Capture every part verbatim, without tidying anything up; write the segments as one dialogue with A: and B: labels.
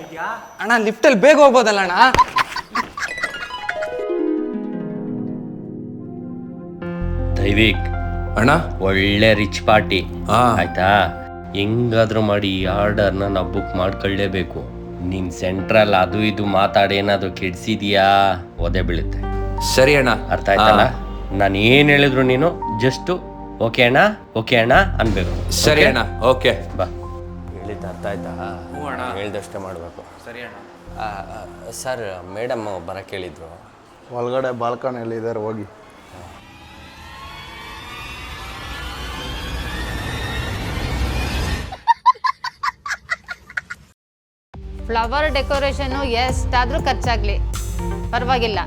A: ಇದ್ಯಾ
B: ಅಣ್ಣ ಲಿಫ್ಟಲ್ಲಿ ಬೇಗ ಹೋಗ್ಬೋದಲ್ಲ ಅಣ್ಣ?
C: ದೈವಿಕ್
D: ಅಣ್ಣ
C: ಒಳ್ಳೆ ರಿಚ್ ಪಾರ್ಟಿ ಆಯ್ತಾ? ಹೆಂಗಾದ್ರೂ ಮಾಡಿ ಈ ಆರ್ಡರ್ನ ನಾವು ಬುಕ್ ಮಾಡ್ಕೊಳ್ಳೇಬೇಕು. ನೀನ್ ಸೆಂಟ್ರಲ್ ಅದು ಇದು ಮಾತಾಡಿ ಏನಾದ್ರು ಕೆಡ್ಸಿದ್ಯಾ ಒದೆ ಬೀಳುತ್ತೆ.
D: ಸರಿ ಅಣ್ಣ,
C: ಅರ್ಥ ಆಯ್ತಲ್ಲ? ನಾನು ಏನ್ ಹೇಳಿದ್ರು ನೀನು ಜಸ್ಟ್ ಓಕೆ ಅಣ್ಣ ಓಕೆ ಅಣ್ಣ ಅನ್ಬೇಕು.
D: ಸರಿ ಅಣ್ಣ, ಓಕೆ
C: ಬಾ. ಹೇಳಿದ್ದು ಅರ್ಥ ಆಯ್ತಾ? ಹೇಳ್ದಷ್ಟೇ ಮಾಡಬೇಕು.
B: ಸರಿ ಅಣ್ಣ.
C: ಸರ್ ಮೇಡಮ್ ಬರಕ್ಕೆ ಹೇಳಿದ್ರು.
E: ಒಳಗಡೆ ಬಾಲ್ಕನಿಯಲ್ಲಿ ಇದ್ದಾರೆ, ಹೋಗಿ.
F: ಫ್ಲವರ್ ಡೆಕೋರೇಷನು ಎಷ್ಟಾದರೂ ಖರ್ಚಾಗಲಿ ಪರವಾಗಿಲ್ಲ.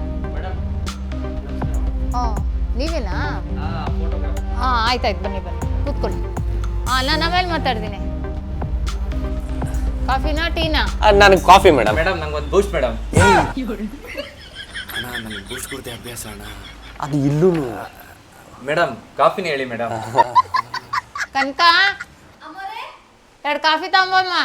F: ಹಾಂ ನೀವೇನಾ? ಹಾಂ ಆಯ್ತಾಯ್ತು, ಬನ್ನಿ ಬನ್ನಿ ಕೂತ್ಕೊಳ್ಳಿ. ಹಾಂ ನಾನು ಆಮೇಲೆ ಮಾತಾಡ್ತೀನಿ. ಕಾಫಿನಾ ಟೀನಾ?
C: ನನಗೆ ಕಾಫಿ ಮೇಡಮ್.
B: ಮೇಡಮ್ ನಂಗೆ ಒಂದು ಬೂಸ್ಟ್ ಮೇಡಮ್.
D: ಅಣ್ಣ ನಂಗೆ ಬೂಸ್ಟ್ ಕುಡ್ದೆ ಅಭ್ಯಾಸ ಅಣ್ಣ.
C: ಅದು ಇಲ್ಲೂ
B: ಮೇಡಮ್ ಕಾಫಿನೇ ಹೇಳಿ ಮೇಡಮ್.
F: ಕನಕ ಎರಡು ಕಾಫಿ ತಗೊಂಬಮ್ಮ.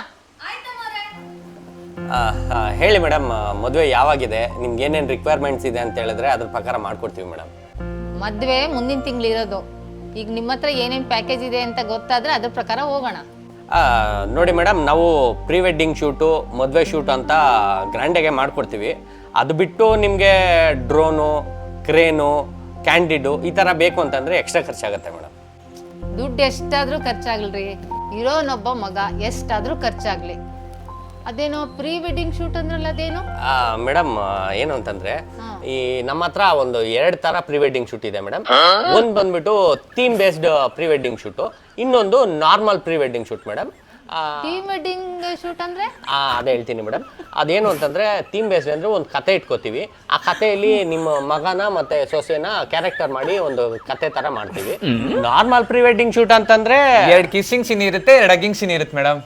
C: ಹೇಳಿ ಮೇಡಮ್, ಮದುವೆ ಯಾವಾಗಿದೆ, ನಿಮ್ಗೆ ಏನೇನು ರಿಕ್ವೈರ್ಮೆಂಟ್ಸ್ ಇದೆ ಅಂತ ಹೇಳಿದ್ರೆ ಅದ್ರ ಪ್ರಕಾರ ಮಾಡ್ಕೊಡ್ತೀವಿ ಮೇಡಮ್.
F: ಮದುವೆ ಮುಂದಿನ ತಿಂಗಳು ಇರೋದು. ಈಗ ನಿಮ್ಮ ಹತ್ರ ಏನೇನು ಪ್ಯಾಕೇಜ್ ಇದೆ ಅಂತ ಗೊತ್ತಾದರೆ ಅದ್ರ ಪ್ರಕಾರ ಹೋಗೋಣ.
C: ನೋಡಿ ಮೇಡಮ್, ನಾವು ಪ್ರೀ ವೆಡ್ಡಿಂಗ್ ಶೂಟು, ಮದುವೆ ಶೂಟ್ ಅಂತ ಗ್ರ್ಯಾಂಡಾಗೆ ಮಾಡ್ಕೊಡ್ತೀವಿ. ಅದು ಬಿಟ್ಟು ನಿಮಗೆ ಡ್ರೋನು, ಕ್ರೇನು, ಕ್ಯಾಂಡಿಡು ಈ ಥರ ಬೇಕು ಅಂತಂದರೆ ಎಕ್ಸ್ಟ್ರಾ ಖರ್ಚಾಗುತ್ತೆ ಮೇಡಮ್.
F: ದುಡ್ಡು ಎಷ್ಟಾದರೂ ಖರ್ಚಾಗಲ್ರಿ, ಇರೋನೊಬ್ಬ ಮಗ ಎಷ್ಟಾದರೂ ಖರ್ಚಾಗಲಿ. ಅದೇನೋ ಪ್ರೀ ವೆಡ್ಡಿಂಗ್ ಶೂಟ್ ಅಂದ್ರಲ್ಲ, ಅದೇನು
C: ಮೇಡಮ್? ಏನು ಅಂತಂದ್ರೆ ಈ ನಮ್ಮ ಹತ್ರ ಒಂದು ಎರಡು ತರ ಪ್ರೀ ವೆಡ್ಡಿಂಗ್ ಶೂಟ್ ಇದೆ ಮೇಡಮ್. ಒಂದು ಬಂದ್ಬಿಟ್ಟು theme based pre wedding shoot, ಇನ್ನೊಂದು normal pre wedding shoot madam.
F: Theme wedding shoot ಅಂದ್ರೆ
C: ಅದೇ ಹೇಳ್ತೀನಿ ಮೇಡಮ್. ಅದೇನು ಅಂತಂದ್ರೆ ಥೀಮ್ ಬೇಸ್ಡ್ ಅಂದ್ರೆ ಒಂದು ಕತೆ ಇಟ್ಕೋತೀವಿ. ಆ ಕಥೆಯಲ್ಲಿ ನಿಮ್ಮ ಮಗನ ಮತ್ತೆ ಸೊಸೆನ ಕ್ಯಾರೆಕ್ಟರ್ ಮಾಡಿ ಒಂದು ಕತೆ ತರ ಮಾಡ್ತೀವಿ. ನಾರ್ಮಲ್ ಪ್ರೀ ವೆಡ್ಡಿಂಗ್ ಶೂಟ್ ಅಂತಂದ್ರೆ
B: ಎರಡು ಕಿಸ್ಸಿಂಗ್ ಸೀನ್ ಇರುತ್ತೆ, ಎರಡು ಹಗ್ಗಿಂಗ್ ಸೀನ್ ಇರುತ್ತೆ ಮೇಡಮ್.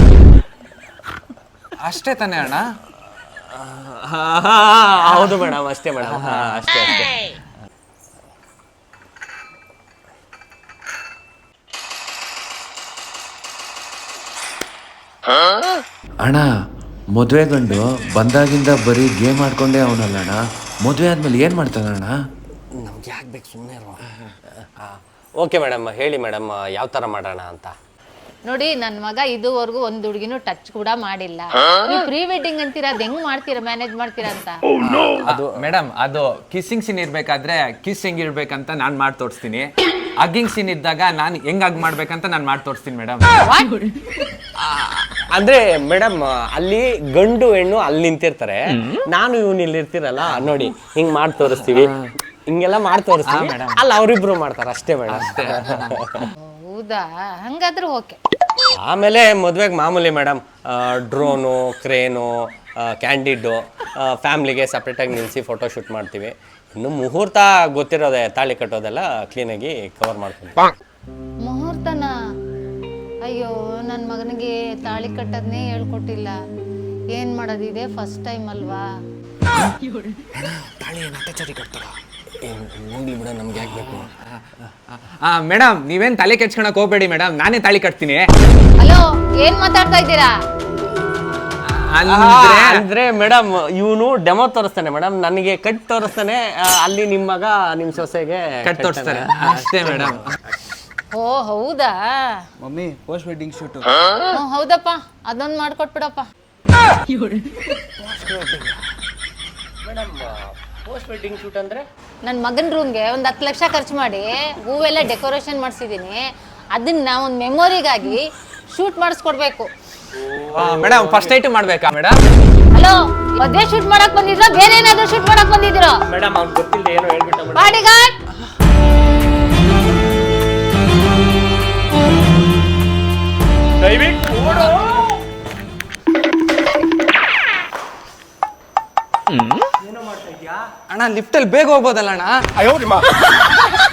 B: ಅಷ್ಟೇ ತಾನೇ ಅಣ್ಣ?
C: ಹೌದು ಮೇಡಮ್, ಅಷ್ಟೇ ಮೇಡಮ್, ಅಷ್ಟೇ ಅಷ್ಟೇ.
D: ಅಣ್ಣ ಮದುವೆ ಗಂಡು ಬಂದಾಗಿಂದ ಬರೀ ಗೇಮ್ ಆಡ್ಕೊಂಡೇ ಅವನಲ್ಲ ಅಣ್ಣ. ಮದುವೆ ಆದ್ಮೇಲೆ ಏನು ಮಾಡ್ತಾನಣ್ಣ?
C: ನಮ್ಗೆ ಯಾಕೆ ಬೇಕು, ಸುಮ್ಮನೆ. ಓಕೆ ಮೇಡಮ್, ಹೇಳಿ ಮೇಡಮ್ ಯಾವ ಥರ ಮಾಡೋಣ ಅಂತ.
F: ನೋಡಿ, ನನ್ನ ಮಗ ಇದುವರೆಗೂ ಒಂದು ಹುಡುಗಿನೂ ಟಚ್ ಕೂಡ ಮಾಡಿಲ್ಲ. ನೀವು ಪ್ರೀ ವೆಡ್ಡಿಂಗ್ ಅಂತೀರಾ, ಅದು ಹೆಂಗ್ ಮಾಡ್ತೀರಾ, ಮ್ಯಾನೇಜ್ ಮಾಡ್ತೀರಾ ಅಂತ?
B: ಅದು ಮೇಡಮ್, ಅದು ಕಿಸ್ಸಿಂಗ್ ಸೀನ್ ಇರ್ಬೇಕಾದ್ರೆ ಕಿಸ್ ಹೆಂಗ್ ಇರ್ಬೇಕಂತ ನಾನು ಮಾಡಿ ತೋರಿಸ್ತೀನಿ. ಹಗ್ಗಿಂಗ್ ಸೀನ್ ಇದ್ದಾಗ ನಾನು ಹೆಂಗ್ ಹಗ್ ಮಾಡ್ಬೇಕಂತ ನಾನು ಮಾಡಿ ತೋರಿಸ್ತೀನಿ ಮೇಡಮ್.
C: ಅಂದ್ರೆ ಮೇಡಮ್, ಅಲ್ಲಿ ಗಂಡು ಹೆಣ್ಣು ಅಲ್ಲಿ ನಿಂತಿರ್ತಾರೆ, ನಾನು ಇವನು ಇಲ್ಲಿ ಇರ್ತೀರಲ್ಲ, ನೋಡಿ ಹಿಂಗ್ ಮಾಡಿ ತೋರಿಸ್ತೀವಿ, ಹಿಂಗೆಲ್ಲ ಮಾಡಿ ತೋರಿಸ್ತೀವಿ. ಅಲ್ಲಿ ಅವರಿಬ್ರು ಮಾಡ್ತಾರೆ ಅಷ್ಟೇ ಮೇಡಮ್.
F: ಹೌದಾ? ಹಂಗಾದ್ರೂ ಓಕೆ.
C: ಆಮೇಲೆ ಮದುವೆಗೆ ಮಾಮೂಲಿ ಮೇಡಮ್, ಡ್ರೋನು, ಕ್ರೇನು, ಕ್ಯಾಂಡಿಡು, ಫ್ಯಾಮ್ಲಿಗೆ ಸಪ್ರೇಟಾಗಿ ನಿಲ್ಲಿಸಿ ಫೋಟೋ ಶೂಟ್ ಮಾಡ್ತೀವಿ. ಇನ್ನು ಮುಹೂರ್ತ ಗೊತ್ತಿರೋದೆ, ತಾಳಿ ಕಟ್ಟೋದೆಲ್ಲ ಕ್ಲೀನಾಗಿ ಕವರ್ ಮಾಡ್ತೀವಿ.
F: ಮುಹೂರ್ತನ? ಅಯ್ಯೋ, ನನ್ನ ಮಗನಿಗೆ ತಾಳಿ ಕಟ್ಟೋದನ್ನೇ ಹೇಳ್ಕೊಟ್ಟಿಲ್ಲ. ಏನು ಮಾಡೋದಿದೆ, ಫಸ್ಟ್ ಟೈಮ್ ಅಲ್ವಾ?
C: ಹೋಗ್ಲಿ ಬಿಡ, ನಮ್ಗೆ ಯಾಕೆ ಬೇಕು?
B: ಮೇಡಮ್ ನೀವೇನು ತಲೆ ಕೆಡ್ಸ್ಕೊಳಕ್ ಹೋಗ್ಬೇಡಿ ಮೇಡಮ್, ನಾನೇ ತಾಳಿ ಕಟ್ತೀನಿ.
F: ಹಲೋ, ಏನ್ ಮಾತಾಡ್ತಾ ಇದ್ದೀರಾ?
C: ಅಂದ್ರೆ ಮೇಡಮ್, ಇವನು ಡೆಮೋ ತೋರಿಸ್ತಾನೆ ಮೇಡಮ್, ನನಗೆ ಕಟ್ ತೋರಿಸ್ತಾನೆ, ಅಲ್ಲಿ ನಿಮ್ಮ ಮಗ ನಿಮ್ಮ ಸೊಸೆಗೆ
B: ಕಟ್ ತೋರಿಸ್ತಾರೆ ಅಷ್ಟೇ ಮೇಡಮ್.
F: ಓ ಹೌದಾ?
E: Mummy post wedding shoot.
F: ಹ್ಞೂ ಹೌದಪ್ಪ, ಅದೊಂದು ಮಾಡ್ಕೊಟ್ಬಿಡಪ್ಪ.
C: ಮೇಡಮ್, ಪೋಸ್ಟ್ ವೆಡ್ಡಿಂಗ್ ಶೂಟ್ ಅಂದ್ರೆ
F: ನನ್ನ ಮಗನ ರೂಮ್ಗೆ ಒಂದು ಹತ್ತು ಲಕ್ಷ ಖರ್ಚು ಮಾಡಿ ಹೂವೆಲ್ಲ ಡೆಕೋರೇಷನ್ ಮಾಡಿಸಿದ್ದೀನಿ. ಅದನ್ನ ಒಂದು ಮೆಮೊರಿಗಾಗಿ ಶೂಟ್ ಮಾಡಿಸ್ಕೊಡ್ಬೇಕು.
B: ಮೇಡಮ್ ಫಸ್ಟ್ ನೈಟ್ ಮಾಡ್ಬೇಕಾ ಮೇಡಮ್?
F: ಹಲೋ, ಮದುವೆ ಶೂಟ್ ಮಾಡಕ್ ಬಂದಿದ್ರಾ, ಬೇರೆ ಏನಾದರೂ ಶೂಟ್ ಮಾಡಕ್ ಬಂದಿದ್ದೀರಾ?
C: ಮೇಡಮ್ ಅವ್ನು ಗೊತ್ತಿಲ್ಲ ಏನೋ ಹೇಳ್ಬಿಟ್ಟ.
F: ಬಾಡಿಗಾರ್ಡ್,
B: ಅಣ್ಣ ಲಿಫ್ಟಲ್ಲಿ ಬೇಗ ಹೋಗ್ಬೋದಲ್ಲ ಅಣ್ಣ?